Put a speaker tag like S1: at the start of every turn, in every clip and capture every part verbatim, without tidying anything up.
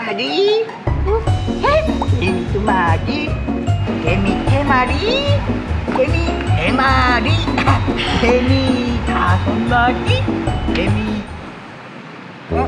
S1: 마리, 개미 두 마리, 개미 세 마리, 개미 네 마리, 개미 다섯 마리, 개미. 어?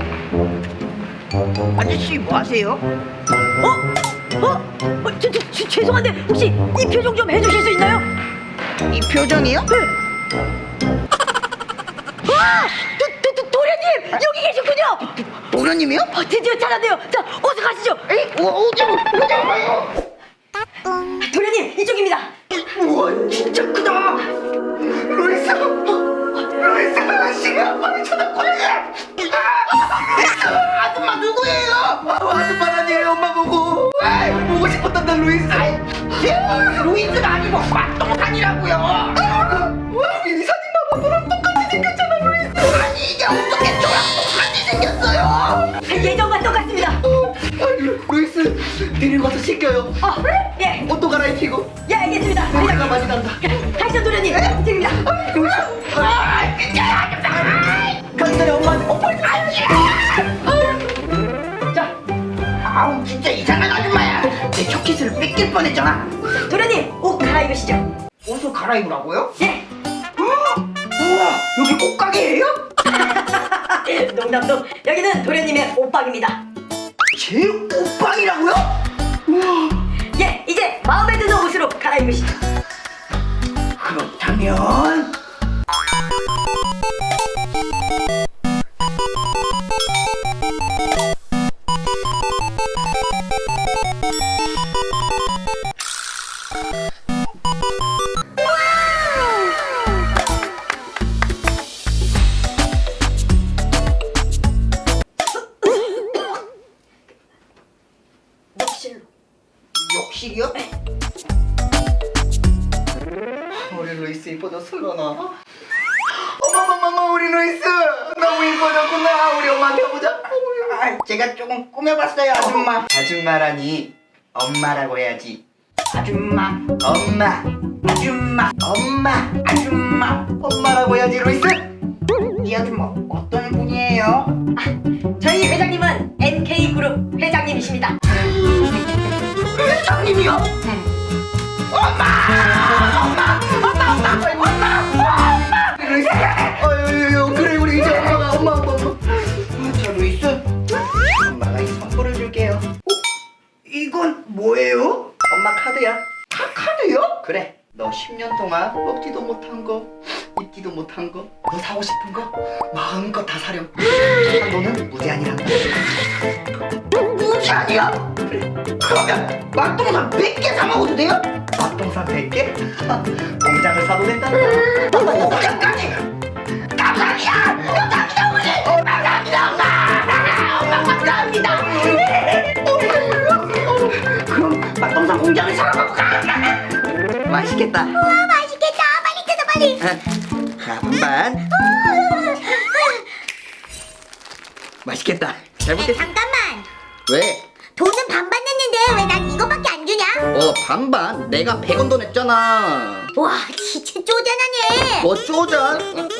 S1: 아저씨 뭐 하세요?
S2: 어? 어? 어 저, 저, 저, 죄송한데 혹시 이 표정 좀 해주실 수 있나요?
S1: 이 표정이요?
S2: 네. 와! 도, 도, 도, 도련님! 여기 계셨군요!
S1: 도련님이요?
S2: 어, 드디어 찾았네요. 자, 어서 가시죠.
S1: 에이, 어, 어디, 어디 가요?
S2: 도련님, 이쪽입니다.
S1: 우와, 진짜 크다. 루이스, 루이스, 시간 빨리 쳐다보내. 아, 아줌마 누구예요? 아, 아줌마 아니에요, 엄마 보고. 아이, 보고 싶었단다, 루이스. 아이, 루이스가 아니고 맛동산이라고요. 와, 이 사진 봐봐, 너랑 똑같이 생겼잖아, 루이스. 아니, 이게 어떻게 저랑 똑같이 생겼어요?
S2: 예전과 똑같습니다.
S1: 어, 아니, 루이스, 데리고 가서 씻겨요.
S2: 어, 예,
S1: 옷도 갈아입히고.
S2: 예, 알겠습니다.
S1: 냄새가 많이 난다.
S2: 가시죠, 도련님. 이쪽입니다.
S1: 루이스. 아, 진짜. 가기 전에 엄마한테 뽀뽀해.
S2: 자,
S1: 아우, 진짜 이상한 아줌마야. 내 초키스를 뺏길 뻔했잖아.
S2: 도련님, 옷 갈아입으시죠.
S1: 옷을 갈아입으라고요?
S2: 예.
S1: 우와, 여기 옷가게예요?
S2: 농담도 여기는 도련님의 옷방입니다.
S1: 제 옷방이라고요? 우와,
S2: 예, 이제 마음에 드는 옷으로 갈아입으시죠.
S1: 그렇다면
S2: 욕실로.
S1: 욕실이요? 우리 루이스 이뻐졌어, 그러나? 어머머머머, 우리 루이스 너무 이뻐졌구나. 우리 엄마한테 보자. 아, 제가 조금 꾸며봤어요, 아줌마. 아줌마라니 엄마라고 해야지. 아줌마, 엄마, 아줌마, 엄마, 아줌마, 엄마라고 해야지, 루이스. 이 아줌마 어떤 분이에요?
S2: 저희 회장님은 엔케이그룹 회장님이십니다.
S1: 회장님이요? 엄마! 엄마! 엄마! 엄마! 엄마! 엄마! 루이스! 어유 그래, 우리 이제 엄마가 엄마 엄마 엄마. 자, 루이스, 엄마가 이 선물을 줄게요. 어? 이건 뭐예요? 엄마 카드야. 카, 카드요? 그래, 너 십 년 동안 먹지도 못한 거, 입지도 못한 거, 너 사고 싶은 거 마음껏 다 사렴. 너는 무제한이란 거. 무제한이야? 그래, 그러면 맛동산 백 개 사 먹어도 돼요? 맛동산 백 개? 공장을 사도 된다. 공장까지! 감사합니다! 감사합니다, 어머니! 어, 감사합니다, 엄마! 엄마, 감사합니다! 그럼 맛동산 공장을 사러 가볼까? 맛있겠다.
S3: 우와 맛있겠다. 빨리 뜯어 빨리.
S1: 자, 반반. 맛있겠다. 잘
S3: 야,
S1: 먹겠습니다.
S3: 잠깐만.
S1: 왜?
S3: 돈은 반반 냈는데 왜 난 이거밖에 안 주냐?
S1: 어, 반반? 내가 백 원 더 냈잖아.
S3: 와 진짜 쪼잔하네.
S1: 뭐 쪼잔?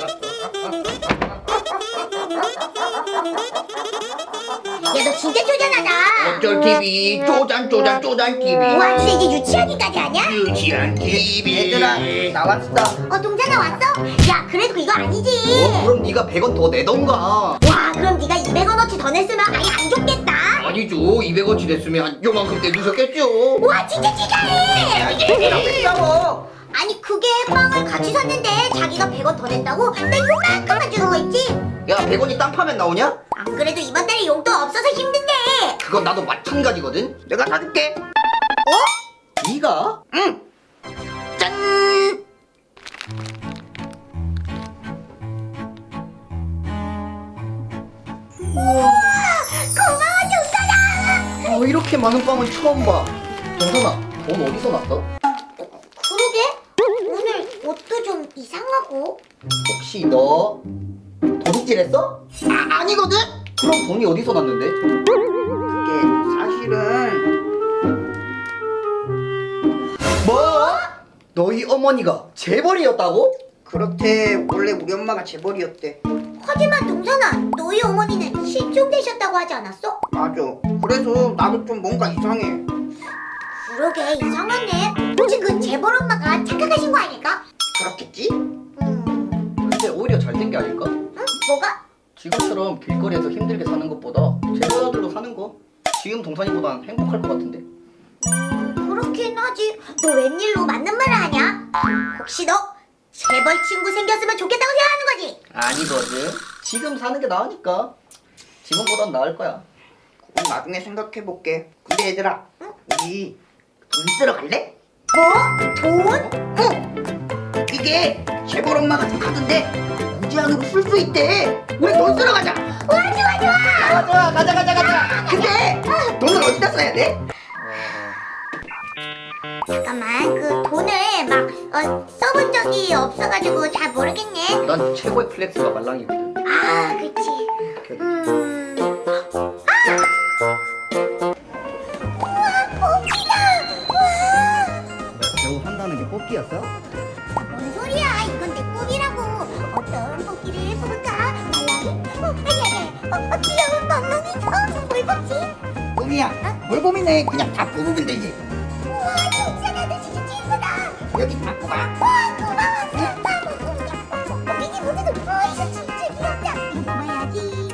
S3: 야 너 진짜 쪼잔하다.
S1: 어쩔 티비 쪼잔 쪼잔 쪼잔 티비.
S3: 와 진짜 이제 유치하기까지 하냐?
S1: 유치한 티비. 얘들아, 나왔어.
S3: 어 동자나 왔어? 야 그래도 이거 아니지.
S1: 어, 그럼 네가 백 원 더 내던가.
S3: 와 그럼 네가 이백 원어치 더 냈으면 아예 안 줬겠다.
S1: 아니죠, 이백 원치 냈으면 요만큼 떼주셨겠죠.
S3: 와 진짜 치사해.
S1: 얘들아, 뺐다고.
S3: 아니 그게 빵을 같이 샀는데 자기가 백 원 더 냈다고 나 요만큼만 주는 거 있지?
S1: 야, 백 원이 땅 파면 나오냐?
S3: 안 그래도 이번 달에 용돈 없어서 힘든데.
S1: 그건 나도 마찬가지거든. 내가 사줄게. 어? 네가? 응. 짠.
S3: 고마워 동자나.
S1: 어, 이렇게 많은 빵은 처음 봐. 정선아, 돈 어디서 났어?
S3: 그러게 오늘 옷도 좀 이상하고.
S1: 혹시 너 도둑질했어? 아, 아니거든? 그럼 돈이 어디서 났는데? 그게 사실은 뭐? 너희 어머니가 재벌이었다고? 그렇대. 원래 우리 엄마가 재벌이었대.
S3: 하지만 동선아 너희 어머니는 실종되셨다고 하지 않았어?
S1: 맞아. 그래서 나도 좀 뭔가 이상해.
S3: 그러게 이상하네. 혹시 그 재벌 엄마가 착각하신 거 아닐까?
S1: 그렇겠지?
S3: 음,
S4: 근데 오히려 잘 된 게 아닐까?
S3: 응? 뭐가?
S4: 지금처럼 길거리에서 힘들게 사는 것보다 재벌 아들로 사는 거 지금 동산이보단 행복할 것 같은데.
S3: 음, 그렇긴 하지. 너 웬일로 맞는 말을 하냐? 혹시 너 재벌 친구 생겼으면 좋겠다고 생각하는 거지?
S4: 아니거든. 지금 사는 게 나으니까. 지금보단 나을 거야.
S1: 그건 나중에 생각해볼게. 근데 얘들아, 우리 돈 쓰러 갈래?
S3: 뭐? 돈?
S1: 응! 이게 재벌 엄마가 준 카드인데 무제한으로 쓸 수 있대. 우리 돈 쓰러 가자.
S3: 와 좋아 좋아.
S1: 좋아 좋아, 가자 가자 가자. 근데 돈을 어디다 써야 돼?
S3: 잠깐만 그 돈을 막 어, 써본 적이 없어가지고 잘 모르겠네.
S4: 난 최고의 플렉스가 말랑이거든.
S3: 아 그치. 음. 아! 우와 뽑기다. 와.
S4: 배우 한다는 게 뽑기였어?
S3: 뭔 소리야? 이건 내 뽑기라고. 어떤 뽑기를 뽑을까? 말랑이? 어 아니 아니. 어, 어 귀여운 멍멍이. 어 뭘 뽑지?
S1: 꿈이야. 뭘 고민해? 그냥 다 뽑으면 되지.
S3: 우와 진짜 나도 진짜 예쁘다.
S1: 여기 다 뽑아.
S3: 와 고마워. 다 뽑으면 미니 모드도. 와 이거 진짜 귀엽다. 이거 뽑아야지.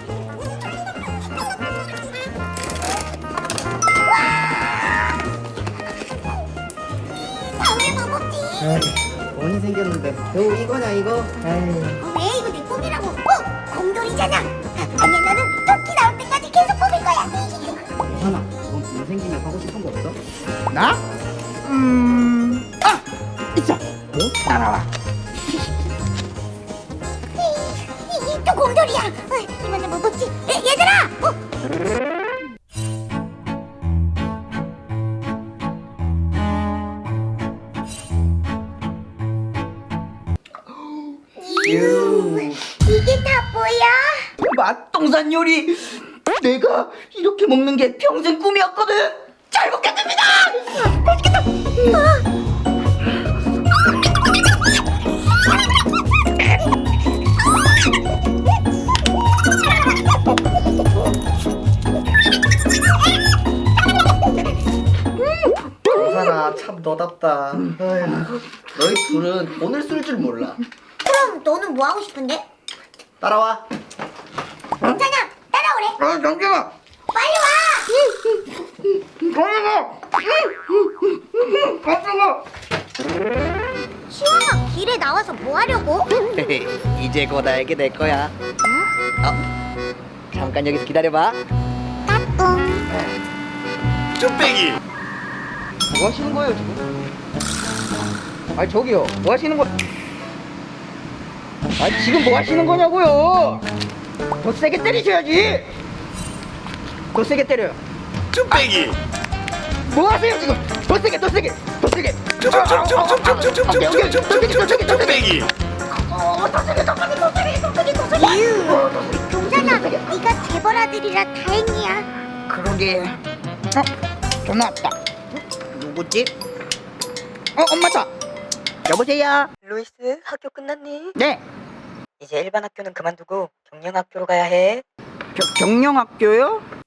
S3: 다음에 뭐 뽑지?
S4: 돈이 생겼는데 배우 이거냐 이거? 에이.
S3: 어, 왜 이거 내 꿈이라고? 어? 곰돌이잖아. 아니야 나는 토끼 나올 때까지 계속 뽑을 거야.
S4: 하나, 넌 돈 생기면 하고 싶은 거 없어?
S1: 나? 음. 아! 있어. 뭐? 따라와.
S3: 이, 또 곰돌이야. 어, 이번에 뭐 뽑지? 에, 얘들아. 어?
S1: 유.
S3: 이게 다 뭐야?
S1: 맛동산 요리. 내가 이렇게 먹는 게 평생 꿈이었거든. 잘 먹겠습니다. 맛있겠다.
S4: 동산아 참 너답다. 어휴, 너희 둘은 돈을 쓸 줄 몰라.
S3: 그럼 너는 뭐 하고 싶은데?
S4: 따라와.
S3: 괜찮아. 따라오래.
S1: 아 잠시만.
S3: 빨리 와.
S1: 잠시만. 잠시만.
S3: 시원아 길에 나와서 뭐 하려고?
S4: 이제 곧 알게 될 거야. 어? 잠깐 여기서 기다려봐.
S3: 까꿍.
S5: 쭈빼기
S4: 뭐 하시는 거예요 지금? 아니 저기요, 뭐 하시는 거? 아니 지금 뭐 하시는 거냐고요? 더 세게 때리셔야지. 더 세게 때려요.
S5: 쭈빼기
S4: 뭐 하세요 지금? 더 세게, 더 세게, 더 세게.
S5: 쭈빼기
S3: 유. 동산아, 네가 재벌 아들이라 다행이야.
S1: 그러게. 어? 전화 왔다. 누구지? 어 엄마다. 여보세요.
S2: 루이스, 학교 끝났니?
S1: 네.
S2: 이제 일반 학교는 그만두고 경영 학교로 가야 해.
S1: 겨, 경영학교요?